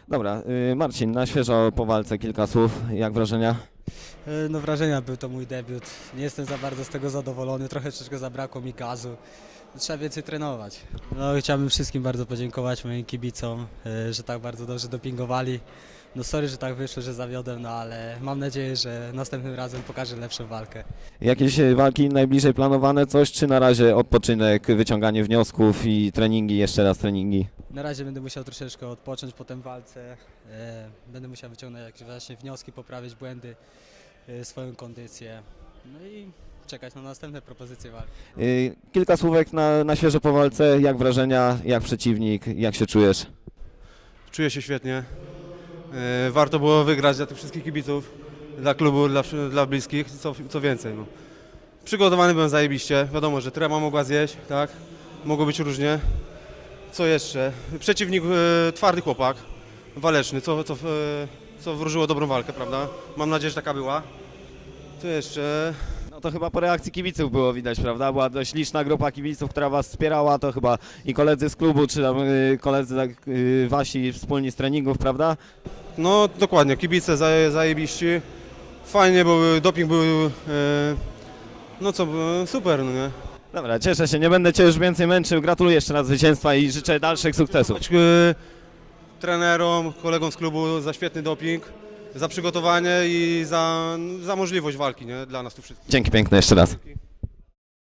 Dobra, Marcin, na świeżo po walce kilka słów, jak wrażenia? No wrażenia, był to mój debiut. Nie jestem za bardzo z tego zadowolony, troszeczkę zabrakło mi gazu. Trzeba więcej trenować. No chciałbym wszystkim bardzo podziękować moim kibicom, że tak bardzo dobrze dopingowali. No sorry, że tak wyszło, że zawiodłem, no ale mam nadzieję, że następnym razem pokażę lepszą walkę. Jakieś walki najbliżej planowane, coś, czy na razie odpoczynek, wyciąganie wniosków i treningi, jeszcze raz treningi? Na razie będę musiał troszeczkę odpocząć po tej walce. Będę musiał wyciągnąć jakieś właśnie wnioski, poprawić błędy, swoją kondycję. No i czekać na następne propozycje walki. Kilka słówek na świeżo po walce, jak wrażenia, jak przeciwnik, jak się czujesz? Czuję się świetnie. Warto było wygrać dla tych wszystkich kibiców, dla klubu, dla bliskich, co więcej. No. Przygotowany byłem zajebiście. Wiadomo, że trema mogła zjeść, tak? Mogło być różnie. Co jeszcze? Przeciwnik twardy chłopak, waleczny, co wróżyło dobrą walkę, prawda? Mam nadzieję, że taka była. Co jeszcze? No to chyba po reakcji kibiców było widać, prawda? Była dość liczna grupa kibiców, która was wspierała, to chyba i koledzy z klubu, czy tam koledzy wasi wspólni z treningów, prawda? No dokładnie, kibice zajebiści. Fajnie, bo doping był, no co, super, no nie? Dobra, cieszę się, nie będę cię już więcej męczył, gratuluję jeszcze raz zwycięstwa i życzę dalszych sukcesów. Trenerom, kolegom z klubu za świetny doping, za przygotowanie i za możliwość walki, nie? Dla nas tu wszystkich. Dzięki piękne jeszcze raz.